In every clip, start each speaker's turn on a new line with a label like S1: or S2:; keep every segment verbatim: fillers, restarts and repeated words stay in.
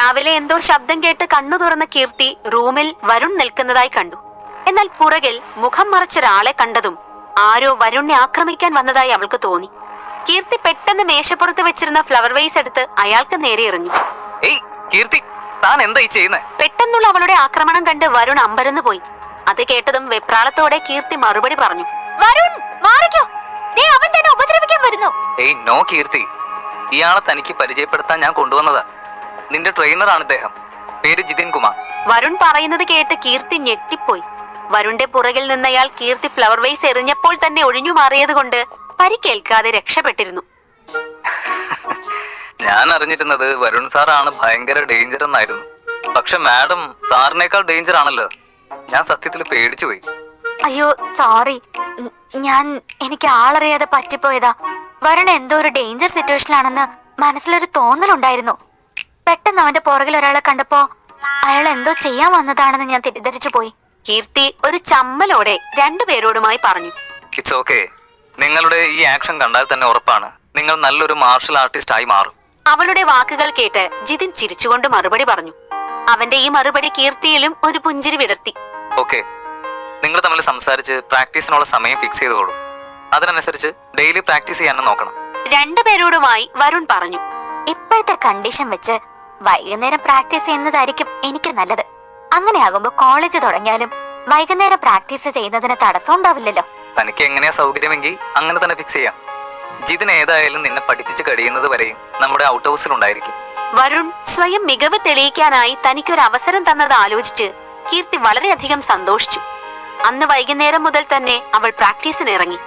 S1: രാവിലെ എന്തോ ശബ്ദം കേട്ട് കണ്ണു തുറന്ന കീർത്തി റൂമിൽ വരുൺ നിൽക്കുന്നതായി കണ്ടു. എന്നാൽ പുറകിൽ മുഖം മറച്ചൊരാളെ കണ്ടതും ആരോ വരുണിനെ ആക്രമിക്കാൻ വന്നതായി അവൾക്ക് തോന്നി. കീർത്തി പെട്ടെന്ന് മേശപ്പുറത്ത് വെച്ചിരുന്ന ഫ്ലവർ വേസ് എടുത്ത് അയാൾക്ക് നേരെ എറിഞ്ഞു. പെട്ടെന്നുള്ള അവളുടെ ആക്രമണം കണ്ട് വരുൺ അമ്പരന്ന് പോയി. അത് കേട്ടതും വെപ്രാളത്തോടെ കീർത്തി മറുപടി പറഞ്ഞു, വരുൺ മാറിക്കോ, അവൻ തന്നെ ഉപദ്രവിക്കാൻ വരുന്നു.
S2: ഏയ് നോ കീർത്തി, ഇയാളെ തനിക്ക് പരിചയപ്പെടുത്താൻ ഞാൻ കൊണ്ടുവന്നതാ. നിന്റെ ട്രെയിനറാണ് ഇദ്ദേഹം, പേര് ജിതിൻ കുമാർ.
S1: വരുൺ പറയുന്നത് കേട്ട് കീർത്തി ഞെട്ടിപ്പോയി. വരുണിന്റെ പുറകിൽ നിന്നയാൾ കീർത്തി ഫ്ലവർ വേസ് എറിഞ്ഞപ്പോൾ തന്നെ ഒഴിഞ്ഞു മാറിയത് കൊണ്ട് പരിക്കേൽക്കാതെ രക്ഷപ്പെട്ടിരുന്നു.
S2: ഞാൻ അറിഞ്ഞിരുന്നത് വരുൺ സാറാണ് ഭയങ്കര ഡേഞ്ചർ എന്നായിരുന്നു. പക്ഷെ മാഡം സാറിനേക്കാൾ ഡേഞ്ചർ ആണല്ലോ. ഞാൻ സത്യത്തിൽ പേടിച്ചു പോയി.
S1: അയ്യോ സോറി, ഞാൻ എനിക്ക് ആളറിയാതെ പറ്റിപ്പോയതാ. വരുൺ എന്തോ ഒരു ഡേഞ്ചർ സിറ്റുവേഷനിലാണെന്ന് മനസ്സിലൊരു തോന്നലുണ്ടായിരുന്നു. പെട്ടെന്ന് അവന്റെ പുറകിൽ ഒരാളെ കണ്ടപ്പോ അയാൾ എന്തോ ചെയ്യാൻ വന്നതാണെന്ന് ഞാൻ തെറ്റിദ്ധരിച്ചു പോയി. കീർത്തി ഒരു ചമ്മലോടെ രണ്ടുപേരോടുമായി പറഞ്ഞു.
S2: It's okay. നിങ്ങളുടെ ഈ ആക്ഷൻ കണ്ടാൽ തന്നെ ഉറപ്പാണ് നിങ്ങൾ നല്ലൊരു മാർഷൽ ആർട്ടിസ്റ്റ് ആയി മാറും.
S1: അവളുടെ വാക്കുകൾ കേട്ട് ജിതിൻ ചിരിച്ചുകൊണ്ട് മറുപടി പറഞ്ഞു. അവന്റെ ഈ മറുപടി കീർത്തിയിലും ഒരു പുഞ്ചിരി വിടർത്തി.
S2: ഓക്കെ, നിങ്ങൾ തമ്മിൽ സംസാരിച്ച് പ്രാക്ടീസിനുള്ള സമയം ഫിക്സ് ചെയ്തോളൂ. അതിനനുസരിച്ച് ഡെയിലി പ്രാക്ടീസ് ചെയ്യാനും നോക്കണം.
S1: രണ്ടുപേരോടുമായി വരുൺ പറഞ്ഞു. ഇപ്പോഴത്തെ കണ്ടീഷൻ വെച്ച് വൈകുന്നേരം പ്രാക്ടീസ് ചെയ്യുന്നതായിരിക്കും എനിക്ക് നല്ലത്. അങ്ങനെയാകുമ്പോ കോളേജ് തുടങ്ങിയാലും വൈകുന്നേരം പ്രാക്ടീസ് ചെയ്യുന്നതിന് തടസ്സം ഉണ്ടാവില്ലല്ലോ.
S2: തനിക്ക് എങ്ങനെയാ സൗകര്യമെങ്കിൽ അങ്ങനെ തന്നെ ഫിക്സ് ചെയ്യാം. ജിതിൻ ഏതായാലും നിന്നെ പഠിപ്പിച്ച് കഴിയുന്നത് വരെയും നമ്മുടെ ഔട്ട് ഹൗസിൽ ഉണ്ടായിരിക്കും.
S1: വരുൺ സ്വയം മികവ് തെളിയിക്കാനായി തനിക്കൊരു അവസരം തന്നത് ആലോചിച്ച് കീർത്തി വളരെയധികം സന്തോഷിച്ചു. അന്ന് വൈകുന്നേരം മുതൽ തന്നെ അവൾ പ്രാക്ടീസിന് ഇറങ്ങി.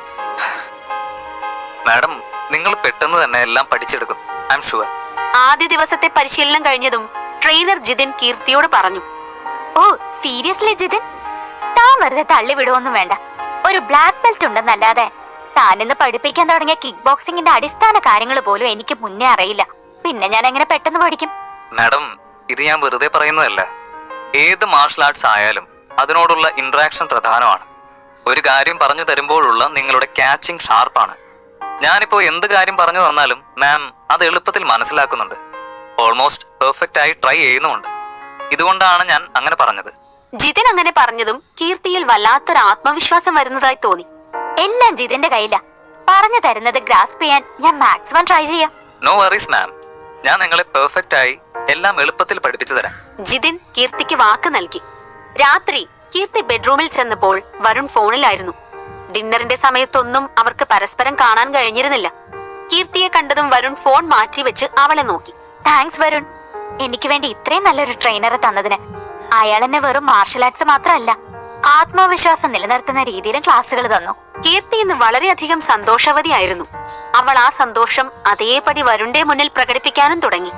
S2: മാഡം, നിങ്ങൾ പെട്ടെന്ന് തന്നെ എല്ലാം പഠിച്ചെടുക്കും, ഐ ആം ഷുവർ.
S1: ആദ്യ ദിവസത്തെ പരിശീലനം കഴിഞ്ഞതും ട്രെയിനർ ജിതിൻ കീർത്തിയോട് പറഞ്ഞു. ഓ സീരിയസ്ലി ജിതിൻ, താൻ വെറുതെ തള്ളി വിടുവൊന്നും വേണ്ട. ഒരു ബ്ലാക്ക് ബെൽറ്റ് ഉണ്ടെന്നല്ലാതെ താനിന്ന് പഠിപ്പിക്കാൻ തുടങ്ങിയ കിക്ക് ബോക്സിംഗിന്റെ അടിസ്ഥാന കാര്യങ്ങൾ പോലും എനിക്ക് മുന്നേ അറിയില്ല. പിന്നെ ഞാൻ എങ്ങനെ പെട്ടെന്ന് പഠിക്കും?
S2: മാഡം, ഇത് ഞാൻ വെറുതെ പറയുന്നതല്ല. ഏത് മാർഷൽ ആർട്സ് ആയാലും അതിനോടുള്ള ഇന്ററാക്ഷൻ പ്രധാനമാണ്. ഒരു കാര്യം പറഞ്ഞു തരുമ്പോഴുള്ള നിങ്ങളുടെ ക്യാച്ചിങ് ഷാർപ്പാണ്. ഞാനിപ്പോ എന്ത് കാര്യം പറഞ്ഞു തന്നാലും മാം അത് എളുപ്പത്തിൽ മനസ്സിലാക്കുന്നുണ്ട്. ഓൾമോസ്റ്റ് പെർഫെക്റ്റ് ആയി ട്രൈ ചെയ്യുന്നുമുണ്ട്. ഇതുകൊണ്ടാണ് ഞാൻ അങ്ങനെ പറഞ്ഞത്.
S1: ജിതിൻ അങ്ങനെ പറഞ്ഞതും കീർത്തിയിൽ വല്ലാത്തൊരു ആത്മവിശ്വാസം വരുന്നതായി തോന്നി. എല്ലാം ജിതിന്റെ കയ്യിലാ. പറഞ്ഞു തരുന്നത് ഗ്രാസ്പ് ചെയ്യാൻ ഞാൻ മാക്സിമം ട്രൈ ചെയ്യാം.
S2: നോ വറീസ് മാം, ഞാൻ നിങ്ങളെ പെർഫെക്റ്റ് ആയി എല്ലാം എളുപ്പത്തിൽ പഠിപ്പിച്ചു തരാം.
S1: ജിതിൻ കീർത്തിക്ക് വാക്ക് നൽകി. രാത്രി കീർത്തി ബെഡ്റൂമിൽ ചെന്നപ്പോൾ വരുൺ ഫോണിലായിരുന്നു. ഡിന്നറിന്റെ സമയത്തൊന്നും അവർക്ക് പരസ്പരം കാണാൻ കഴിഞ്ഞിരുന്നില്ല. കീർത്തിയെ കണ്ടതും വരുൺ ഫോൺ മാറ്റി വെച്ച് അവളെ നോക്കി. താങ്ക്സ് വരുൺ, എനിക്ക് വേണ്ടി ഇത്രയും നല്ലൊരു ട്രെയിനറെ തന്നതിന്. അയാൾ എന്നെ വെറും മാർഷൽ ആർട്സ് മാത്രമല്ല, ആത്മവിശ്വാസം നിലനിർത്തുന്ന രീതിയിലും ക്ലാസ്സുകൾ തന്നു. കീർത്തി ഇന്ന് വളരെയധികം സന്തോഷവതിയായിരുന്നു. അവൾ ആ സന്തോഷം അതേപടി വരുണിന്റെ മുന്നിൽ പ്രകടിപ്പിക്കാനും തുടങ്ങി.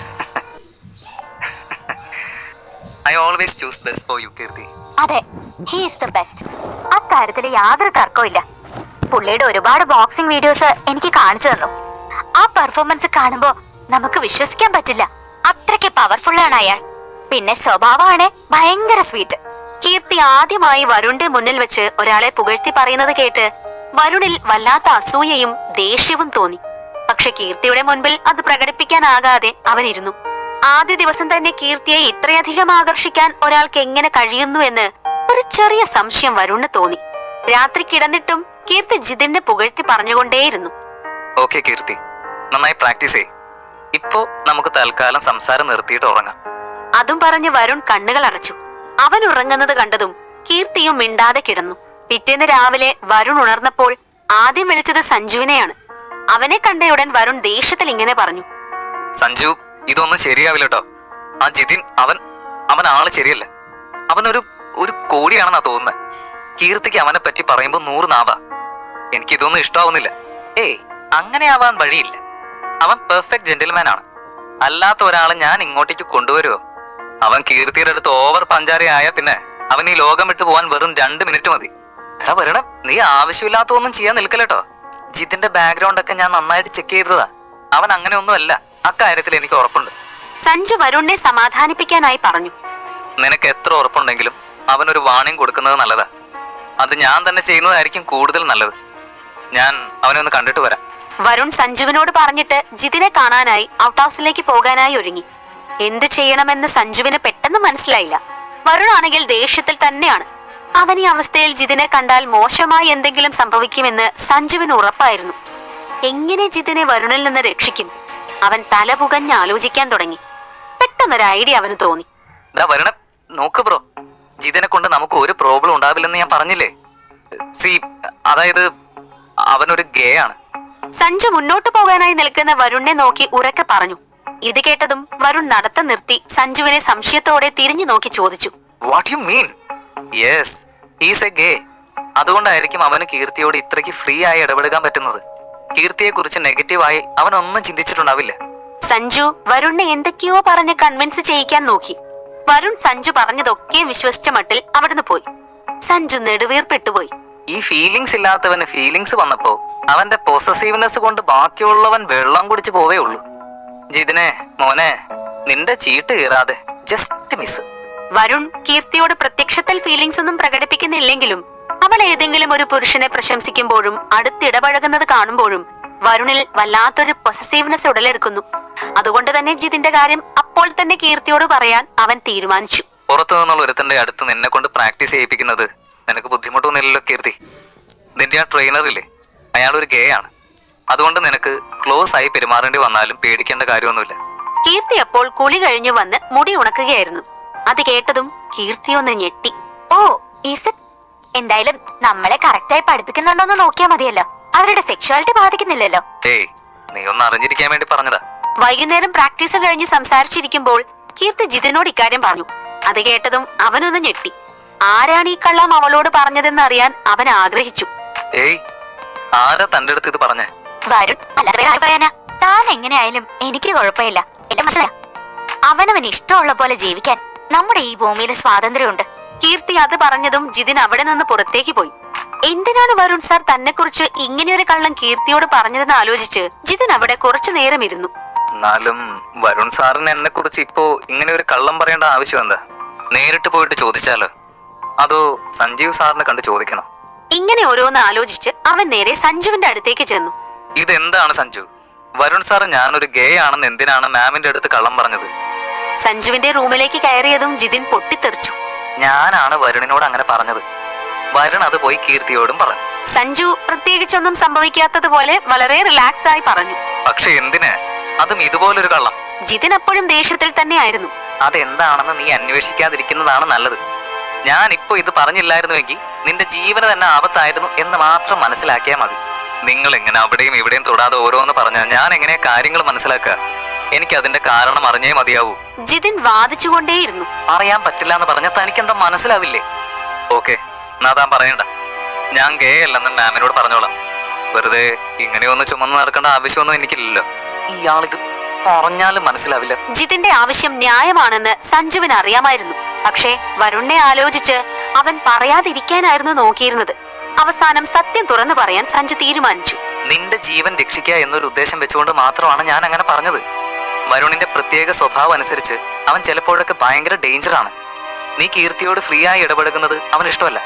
S2: I always choose best for you, കീർത്തി.
S1: അതെ, he is the best. അക്കാര്യത്തിൽ യാതൊരു തർക്കമില്ല. പുള്ളിയുടെ ഒരുപാട് ബോക്സിംഗ് വീഡിയോസ് എനിക്ക് കാണിച്ചു തന്നു. ആ പെർഫോമൻസ് കാണുമ്പോ നമുക്ക് വിശ്വസിക്കാൻ പറ്റില്ല. അത്രയ്ക്ക് പവർഫുൾ ആണ് അയാൾ. പിന്നെ സ്വഭാവമാണ് ഭയങ്കര സ്വീറ്റ്. കീർത്തി ആദ്യമായി വരുണിന്റെ മുന്നിൽ വെച്ച് ഒരാളെ പുകഴ്ത്തി പറയുന്നത് കേട്ട് വരുണിൽ വല്ലാത്ത അസൂയയും ദേഷ്യവും തോന്നി. പക്ഷെ കീർത്തിയുടെ മുൻപിൽ അത് പ്രകടിപ്പിക്കാനാകാതെ അവനിരുന്നു. ആദ്യ ദിവസം തന്നെ കീർത്തിയെ ഇത്രയധികം ആകർഷിക്കാൻ ഒരാൾക്ക് എങ്ങനെ കഴിയുന്നു എന്ന് ഒരു ചെറിയ സംശയം വരുണിന് തോന്നി. രാത്രി കിടന്നിട്ടും കീർത്തി ജിതിനെ പുകഴ്ത്തി പറഞ്ഞുകൊണ്ടേയിരുന്നു.
S2: ഓക്കെ കീർത്തി, നന്നായി പ്രാക്ടീസ് ചെയ്യ്. ഇപ്പോ നമുക്ക് തൽക്കാലം സംസാരം നിർത്തിയിട്ട് ഉറങ്ങാം.
S1: അതും പറഞ്ഞ് വരുൺ കണ്ണുകൾ അടച്ചു. അവൻ ഉറങ്ങുന്നത് കണ്ടതും കീർത്തിയും മിണ്ടാതെ കിടന്നു. പിറ്റേന്ന് രാവിലെ വരുൺ ഉണർന്നപ്പോൾ ആദ്യം വിളിച്ചത് സഞ്ജുവിനെയാണ്. അവനെ കണ്ടയുടൻ വരുൺ ദേഷ്യത്തിൽ ഇങ്ങനെ പറഞ്ഞു.
S2: സഞ്ജു, ഇതൊന്നും ശരിയാവില്ല കേട്ടോ. ആ ജിതിൻ അവൻ അവൻ ആള് ശരിയല്ല. അവനൊരു ഒരു കോടിയാണെന്നാ തോന്നുന്നത്. കീർത്തിക്ക് അവനെ പറ്റി പറയുമ്പോ നൂറ് നാവാ. എനിക്കിതൊന്നും ഇഷ്ടാവുന്നില്ല. ഏയ്, അങ്ങനെ ആവാൻ വഴിയില്ല. അവൻ പെർഫെക്റ്റ് ജെന്റിൽമാൻ ആണ്. അല്ലാത്ത ഒരാളെ ഞാൻ ഇങ്ങോട്ടേക്ക് കൊണ്ടുവരുമോ? അവൻ കീർത്തിയുടെ അടുത്ത് ഓവർ പഞ്ചാരയായ പിന്നെ അവൻ ഈ ലോകം വിട്ടു പോവാൻ വെറും രണ്ട് മിനിറ്റ് മതി. എടാ വരണം, നീ ആവശ്യമില്ലാത്തൊന്നും ചെയ്യാൻ നിൽക്കല്ലേട്ടോ. ജിതിന്റെ ബാക്ക്ഗ്രൗണ്ട് ഒക്കെ ഞാൻ നന്നായിട്ട് ചെക്ക് ചെയ്തതാ. അവൻ അങ്ങനെയൊന്നും അല്ല. അക്കാര്യത്തിൽ എനിക്ക് ഉറപ്പുണ്ട്.
S1: സഞ്ജു വരുണിനെ സമാധാനിപ്പിക്കാനായി പറഞ്ഞു.
S2: നിനക്ക് എത്ര ഉറപ്പുണ്ടെങ്കിലും അവനൊരു വാണിംഗ് കൊടുക്കുന്നത് നല്ലതാ. അത് ഞാൻ തന്നെ ചെയ്യുന്നതായിരിക്കും കൂടുതൽ നല്ലത്. ഞാൻ അവനെ ഒന്ന് കണ്ടിട്ട് വരാം.
S1: വരുൺ സഞ്ജുവിനോട് പറഞ്ഞിട്ട് ജിതിനെ കാണാനായി ഔട്ട് ഹൗസിലേക്ക് പോകാനായി ഒരുങ്ങി. എന്ത് ചെയ്യണമെന്ന് സഞ്ജുവിന് പെട്ടെന്ന് മനസ്സിലായില്ല. വരുണാണെങ്കിൽ ദേഷ്യത്തിൽ തന്നെയാണ്. അവൻ ഈ അവസ്ഥയിൽ ജിതിനെ കണ്ടാൽ മോശമായി എന്തെങ്കിലും സംഭവിക്കുമെന്ന് സഞ്ജുവിന് ഉറപ്പായിരുന്നു. എങ്ങനെ ജിതിനെ വരുണിൽ നിന്ന് രക്ഷിക്കും? അവൻ തല പുകഞ്ഞ് ആലോചിക്കാൻ തുടങ്ങി. പെട്ടെന്നൊരു ഐഡിയ അവന് തോന്നി.
S2: വരുണ നോക്ക് ബ്രോ, ജിതിനെ കൊണ്ട് നമുക്ക് ഒരു പ്രോബ്ലം ഉണ്ടാവില്ലെന്ന് ഞാൻ പറഞ്ഞില്ലേ. സി അതായത് അവനൊരു ഗേ ആണ്.
S1: സഞ്ജു മുന്നോട്ട് പോകാനായി നിൽക്കുന്ന വരുണിനെ നോക്കി ഉറക്കെ പറഞ്ഞു. ഇത് കേട്ടതും വരുൺ നടത്തം നിർത്തി സഞ്ജുവിനെ സംശയത്തോടെ തിരിഞ്ഞു നോക്കി ചോദിച്ചു,
S2: what you mean? Yes, he's a gay. അതുകൊണ്ടായിരിക്കും അവന് കീർത്തിയോട് ഇത്രയ്ക്ക് ഫ്രീ ആയി ഇടപെടുക്കാൻ പറ്റുന്നത്. കീർത്തിയെ കുറിച്ച് നെഗറ്റീവായി അവനൊന്നും ചിന്തിച്ചിട്ടുണ്ടാവില്ല.
S1: സഞ്ജു വരുണിനെ എന്തൊക്കെയോ പറഞ്ഞ് കൺവിൻസ് ചെയ്യിക്കാൻ നോക്കി. വരുൺ സഞ്ജു പറഞ്ഞതൊക്കെ വിശ്വസിച്ച മട്ടിൽ അവിടുന്ന് പോയി. സഞ്ജു നെടുവീർപ്പെട്ടുപോയി.
S2: ഈ ഫീലിങ്സ് ഇല്ലാത്തവന് ഫീലിങ്സ് വന്നപ്പോ അവന്റെ പൊസസീവ്നെസ് കൊണ്ട് ബാക്കിയുള്ളവൻ വെള്ളം കുടിച്ചു പോവേ ഉള്ളൂ. ജിതിനെ മോനെ, നിന്റെ ചീട്ട് കീറാതെ ജസ്റ്റ് മിസ്.
S1: വരുൺ കീർത്തിയോട് പ്രത്യക്ഷത്തിൽ ഫീലിങ്സ് ഒന്നും പ്രകടിപ്പിക്കുന്നില്ലെങ്കിലും അവൾ ഏതെങ്കിലും ഒരു പുരുഷനെ പ്രശംസിക്കുമ്പോഴും അടുത്തിടപഴകുന്നത് കാണുമ്പോഴും വരുണിൽ വല്ലാത്തൊരു പൊസസീവ്നെസ് ഉടലെടുക്കുന്നു. അതുകൊണ്ട് തന്നെ ജിതിന്റെ കാര്യം അപ്പോൾ തന്നെ കീർത്തിയോട് പറയാൻ അവൻ തീരുമാനിച്ചു.
S2: പുറത്തു നിന്നുള്ള ഒരുത്തന്റെ അടുത്ത് നിന്നെ കൊണ്ട് പ്രാക്ടീസ് ചെയ്യിപ്പിക്കുന്നത് നിനക്ക് ബുദ്ധിമുട്ടൊന്നുമില്ലല്ലോ കീർത്തി. നിന്റെ ആ ട്രെയിനറില്ലേ, അയാൾ ഒരു ഗേ ആണ്. അതുകൊണ്ട് നിനക്ക് ക്ലോസ് ആയി പെരുമാറേണ്ടി വന്നാലും പേടിക്കേണ്ട കാര്യമൊന്നുമില്ല.
S1: കീർത്തി അപ്പോൾ കുളി കഴിഞ്ഞു വന്ന് മുടി ഉണക്കുകയായിരുന്നു. അത് കേട്ടതും കീർത്തി ഒന്ന് ഞെട്ടി. Oh is it? എന്തായാലും നമ്മളെ കറക്റ്റായി പഠിപ്പിക്കുന്നുണ്ടോന്ന് നോക്കിയാ മതിയല്ലോ. അവരുടെ സെക്ഷുവാലിറ്റി ബാധിക്കുന്നില്ലല്ലോ.
S2: ഏയ്, നീ ഒന്ന് അറിഞ്ഞിരിക്കാൻ വേണ്ടി പറഞ്ഞതാ.
S1: വൈകുന്നേരം പ്രാക്ടീസ് കഴിഞ്ഞ് സംസാരിച്ചിരിക്കുമ്പോൾ കീർത്തി ജിതിനോട് ഇക്കാര്യം പറഞ്ഞു. അത് കേട്ടതും അവനൊന്ന് ഞെട്ടി. ആരാണ് ഈ കള്ളം അവളോട് പറഞ്ഞതെന്ന് അറിയാൻ അവൻ ആഗ്രഹിച്ചു.
S2: ഏയ്, ആരാ തന്റെ അടുത്ത് ഇത് പറഞ്ഞേ?
S1: വരും, അല്ലാതെ പറയാനാ. താൻ എങ്ങനെയായാലും എനിക്ക് കുഴപ്പമില്ല. അവനവന് ഇഷ്ടമുള്ള പോലെ ജീവിക്കാൻ നമ്മുടെ ഈ ഭൂമിയിൽ സ്വാതന്ത്ര്യമുണ്ട്. കീർത്തി അത് പറഞ്ഞതും ജിതിൻ അവിടെ നിന്ന് പുറത്തേക്ക് പോയി. എന്തിനാണ് വരുൺ സാർ തന്നെ കുറിച്ച് ഇങ്ങനെയൊരു കള്ളം കീർത്തിയോട് പറഞ്ഞതെന്ന് ആലോചിച്ച് ജിതിൻ അവിടെ കുറച്ചു നേരം ഇരുന്നു.
S2: എന്നാലും വരുൺ സാറിന് എന്നെ കുറിച്ച് ഇപ്പോ ഇങ്ങനെ ഒരു കള്ളം പറയേണ്ട ആവശ്യം എന്താ? നേരിട്ട് പോയിട്ട് ചോദിച്ചാലോ, അതോ സഞ്ജീവ് സാറിനെ കണ്ട് ചോദിക്കണോ?
S1: ഇങ്ങനെ ഓരോന്ന് ആലോചിച്ച് അവൻ നേരെ സഞ്ജുവിന്റെ അടുത്തേക്ക് ചെന്നു.
S2: ഇതെന്താണ് സഞ്ജു? വരുൺ സാർ ഞാനൊരു ഗേ ആണെന്ന് എന്തിനാണ് മാമിന്റെ അടുത്ത് കള്ളം പറഞ്ഞത്?
S1: സഞ്ജുവിന്റെ റൂമിലേക്ക് കയറിയതും ജിതിൻ പൊട്ടിത്തെറിച്ചു.
S2: ഞാനാണ് വരുണിനോട് അങ്ങനെ പറഞ്ഞത്. വരുൺ അത് പോയി കീർത്തിയോടും പറഞ്ഞു.
S1: സഞ്ജു പ്രത്യേകിച്ചൊന്നും സംഭവിക്കാത്തതുപോലെ വളരെ റിലാക്സ് ആയി പറഞ്ഞു.
S2: പക്ഷെ എന്തിന്? അതും ഇതുപോലൊരു കള്ളം.
S1: ജിതിൻ അപ്പോഴും ദേഷ്യത്തിൽ തന്നെയായിരുന്നു.
S2: അതെന്താണെന്ന് നീ അന്വേഷിക്കാതിരിക്കുന്നതാണ് നല്ലത്. ഞാൻ ഇപ്പൊ ഇത് പറഞ്ഞില്ലായിരുന്നുവെങ്കിൽ നിന്റെ ജീവന് തന്നെ ആപത്തായിരുന്നു എന്ന് മാത്രം മനസ്സിലാക്കിയാൽ മതി. നിങ്ങൾ എങ്ങനെ അവിടെയും ഇവിടെയും തൊടാതെ ഓരോന്ന് പറഞ്ഞാൽ ഞാൻ എങ്ങനെയാ കാര്യങ്ങൾ മനസ്സിലാക്കുക? എനിക്ക് അതിന്റെ കാരണം അറിഞ്ഞേ മതിയാവൂ.
S1: ജിതിൻ വാദിച്ചുകൊണ്ടേയിരുന്നു.
S2: അറിയാൻ പറ്റില്ല എന്ന് പറഞ്ഞാൽ തനിക്കെന്താ മനസ്സിലാവില്ലേ? ഓക്കെ, എന്നാ താൻ പറയണ്ട. ഞാൻ ഗേ അല്ലെന്ന് മാമിനോട് പറഞ്ഞോളാം. വെറുതെ ഇങ്ങനെയൊന്ന് ചുമന്ന് നടക്കേണ്ട ആവശ്യമൊന്നും എനിക്കില്ലല്ലോ. ഇയാളിത് പറഞ്ഞാലും മനസ്സിലാവില്ല.
S1: ജിതിന്റെ ആവശ്യം ന്യായമാണെന്ന് സഞ്ജുവിന് അറിയാമായിരുന്നു. പക്ഷേ വരുണിനെ ആലോചിച്ച് അവൻ പറയാതിരിക്കാനായിരുന്നു നോക്കിയിരുന്നത്. അവസാനം സത്യം തുറന്നു പറയാൻ സഞ്ജു തീരുമാനിച്ചു.
S2: നിന്റെ ജീവൻ രക്ഷിക്കുക എന്നൊരു ഉദ്ദേശം വെച്ചുകൊണ്ട് മാത്രമാണ് ഞാൻ അങ്ങനെ പറഞ്ഞത്. വരുണിന്റെ പ്രത്യേക സ്വഭാവം അനുസരിച്ച് അവൻ ചിലപ്പോഴൊക്കെ ഭയങ്കര ഡേഞ്ചറാണ്. നീ കീർത്തിയോട് ഫ്രീ ആയി ഇടപെടുന്നത് അവന് ഇഷ്ടമല്ല.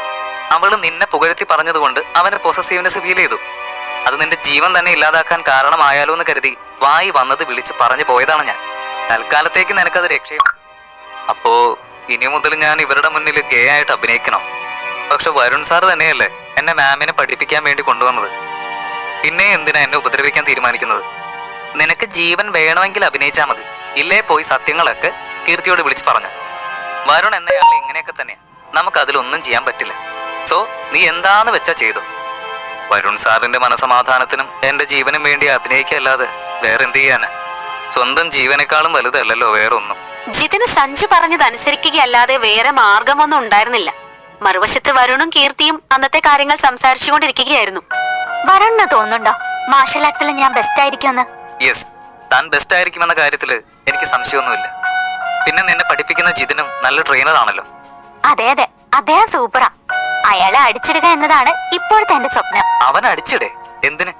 S2: അവള് നിന്നെ പുകഴ്ത്തി പറഞ്ഞതുകൊണ്ട് അവന് പൊസസീവ്നെസ് ഫീൽ ചെയ്തു. അത് നിന്റെ ജീവൻ തന്നെ ഇല്ലാതാക്കാൻ കാരണമായാലോ എന്ന് കരുതി വായി വന്നത് വിളിച്ച് പറഞ്ഞു പോയതാണ് ഞാൻ. തൽക്കാലത്തേക്ക് നിനക്കത് രക്ഷയും. അപ്പോ ഇനി മുതൽ ഞാൻ ഇവരുടെ മുന്നിൽ ഗേ ആയിട്ട് അഭിനയിക്കണോ? പക്ഷെ വരുൺ സാർ തന്നെയല്ലേ എന്നെ മാമിനെ പഠിപ്പിക്കാൻ വേണ്ടി കൊണ്ടുവന്നത്. പിന്നെ എന്തിനാ എന്നെ ഉപദ്രവിക്കാൻ തീരുമാനിക്കുന്നത്? നിനക്ക് ജീവൻ വേണമെങ്കിൽ അഭിനയിച്ചാൽ മതി. ഇല്ലേ പോയി സത്യങ്ങളൊക്കെ കീർത്തിയോട് വിളിച്ച് പറഞ്ഞു. വരുൺ എന്നയാൾ ഇങ്ങനെയൊക്കെ തന്നെയാ. നമുക്ക് അതിലൊന്നും ചെയ്യാൻ പറ്റില്ല. സോ നീ എന്താന്ന് വെച്ചാ ചെയ്തോ. വരുൺ സാറിന്റെ മനസമാധാനത്തിനും എന്റെ ജീവനും വേണ്ടി അഭിനയിക്കല്ലാതെ വേറെന്ത് ചെയ്യാന്? സ്വന്തം ജീവനേക്കാളും വലുതല്ലല്ലോ വേറൊന്നും.
S1: ജിതിന് സഞ്ജു പറഞ്ഞത് അനുസരിക്കുകയല്ലാതെ വേറെ മാർഗമൊന്നും ഉണ്ടായിരുന്നില്ല. മറുവശത്ത് വരുണും കീർത്തിയും അന്നത്തെ കാര്യങ്ങൾ സംസാരിച്ചുകൊണ്ടിരിക്കുകയായിരുന്നു. വരുണിന് തോന്നുന്നുണ്ടോ മാർഷൽ ആർട്സിൽ ഞാൻ ബെസ്റ്റ് ആയിരിക്കുമെന്ന്?
S2: യെസ്, താൻ ബെസ്റ്റ് ആയിരിക്കുമെന്ന കാര്യത്തില് എനിക്ക് സംശയമൊന്നുമില്ല. പിന്നെ നിന്നെ പഠിപ്പിക്കുന്ന ജിതിനും നല്ല ട്രെയിനർ ആണല്ലോ.
S1: അതെ അതെ, അദ്ദേഹം സൂപ്പറാ. അയാളെ അടിച്ചിടുക എന്നതാണ് ഇപ്പോഴത്തെ എന്റെ സ്വപ്നം.
S2: അവൻ അടിച്ചിടേ? എന്തിന്?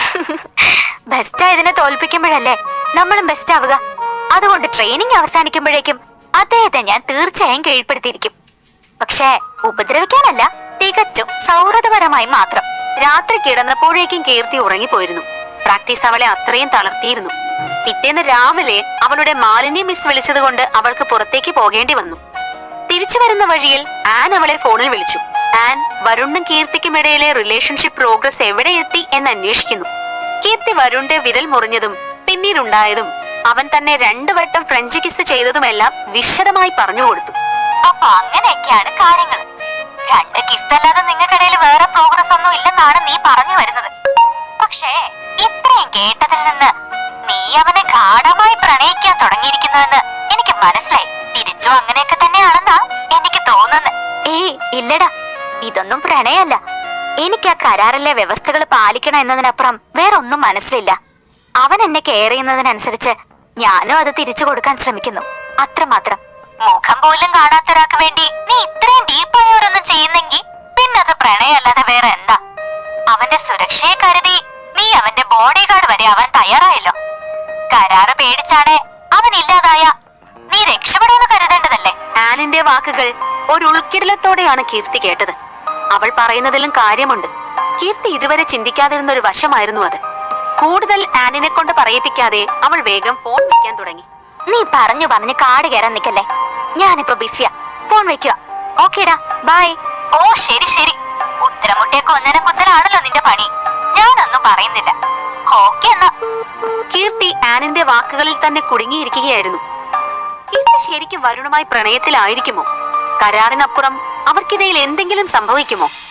S1: ബെസ്റ്റ് ആയതിനെ തോൽപ്പിക്കുമ്പോഴല്ലേ നമ്മളും ബെസ്റ്റ് ആവുക. അതുകൊണ്ട് ട്രെയിനിങ് അവസാനിക്കുമ്പോഴേക്കും അദ്ദേഹത്തെ ഞാൻ തീർച്ചയായും കീഴ്പ്പെടുത്തിയിരിക്കും. പക്ഷേ ഉപദ്രവിക്കാനല്ല, തികച്ചും സൗഹൃദപരമായി മാത്രം. രാത്രി കിടന്നപ്പോഴേക്കും കീർത്തി ഉറങ്ങിപ്പോയിരുന്നു. പ്രാക്ടീസ് അവളെ അത്രയും തളർത്തിയിരുന്നു. പിറ്റേന്ന് രാവിലെ അവളുടെ മാലിന്യ മിസ് വിളിച്ചത് കൊണ്ട് അവൾക്ക് പുറത്തേക്ക് പോകേണ്ടി വന്നു. തിരിച്ചു വരുന്ന വഴിയിൽ ആൻ അവളെ ഫോണിൽ വിളിച്ചു. ആൻ വരുണും കീർത്തിക്കും ഇടയിലെ റിലേഷൻഷിപ്പ് പ്രോഗ്രസ് എവിടെ എത്തി എന്ന് അന്വേഷിക്കുന്നു. കീർത്തി വരുണിന്റെ വിരൽ മുറിഞ്ഞതും പിന്നീടുണ്ടായതും അവൻ തന്നെ രണ്ടു വട്ടം ഫ്രഞ്ച് കിസ് ചെയ്തതുമെല്ലാം വിശദമായി പറഞ്ഞു കൊടുത്തു.
S3: അപ്പൊ അങ്ങനെയൊക്കെയാണ് കാര്യങ്ങൾ. രണ്ട് കിസ് അല്ലാതെ നിങ്ങൾക്കിടയിൽ വേറെ പ്രോഗ്രസ് ഒന്നും ഇല്ലെന്നാണ് നീ പറഞ്ഞു വരുന്നത്. പക്ഷേ ഇത്രയും കേട്ടതിൽ നിന്ന് നീ അവനെ ഗാഢമായി പ്രണയിക്കാൻ തുടങ്ങിയിരിക്കുന്നുവെന്ന് എനിക്ക് മനസ്സിലായി. തിരിച്ചു അങ്ങനെയൊക്കെ തന്നെയാണെന്നാ എനിക്ക് തോന്നുന്നത്.
S1: ഏയ് ഇല്ലടാ, ഇതൊന്നും പ്രണയല്ല. എനിക്ക് ആ കരാറിലെ വ്യവസ്ഥകൾ പാലിക്കണം എന്നതിനപ്പുറം വേറൊന്നും മനസ്സിലില്ല. അവൻ എന്നെ കെയർ ചെയ്യുന്നതിനനുസരിച്ച് ഞാനും അത് തിരിച്ചു കൊടുക്കാൻ ശ്രമിക്കുന്നു, അത്രമാത്രം.
S3: മുഖം പോലും കാണാത്തൊരാൾക്ക് വേണ്ടി നീ ഇത്രയും ഡീപ്പായി ഓരോന്നും ചെയ്യുന്നെങ്കിൽ പിന്നെ അത് പ്രണയമല്ലാതെ വേറെ എന്താ? അവന്റെ സുരക്ഷയെ കരുതി നീ അവന്റെ ബോഡി ഗാർഡ് വരെ അവൻ തയ്യാറായല്ലോ. കരാറ് പേടിച്ചാണ് അവൻ ഇല്ലാതായ നീ രക്ഷപ്പെടുമെന്ന് കരുതേണ്ടതല്ലേ?
S1: ആനിന്റെ വാക്കുകൾ ഒരു ഉൾക്കിടലത്തോടെയാണ് കീർത്തി കേട്ടത്. അവൾ പറയുന്നതിലും കാര്യമുണ്ട്. കീർത്തി ഇതുവരെ ചിന്തിക്കാതിരുന്ന ഒരു വശമായിരുന്നു അത്. കൂടുതൽ ആനിനെ കൊണ്ട് പറയിപ്പിക്കാതെ അവൾ വേഗം ഫോൺ വെക്കാൻ തുടങ്ങി.
S3: നീ പറഞ്ഞു പറഞ്ഞു കാട് കയറാൻ നിക്കല്ലേ.
S1: ഞാനിപ്പോ ബിസിയാ, ഫോൺ വെക്കുക. ഓക്കേടാ, ബൈ.
S3: ഓ ശരി ശരി. ഉത്തരമുട്ടിയെ കൊന്നനെ കുത്തലാണല്ലോ നിന്റെ പണി. ഞാനൊന്നും പറയുന്നില്ല. ഓക്കെ എന്നാ.
S1: കീർത്തി ആനിന്റെ വാക്കുകളിൽ തന്നെ കുടുങ്ങിയിരിക്കുകയായിരുന്നു. കീർത്തി ശരിക്കും വരുണുമായി പ്രണയത്തിലായിരിക്കുമോ? കരാറിനപ്പുറം അവർക്കിടയിൽ എന്തെങ്കിലും സംഭവിക്കുമോ?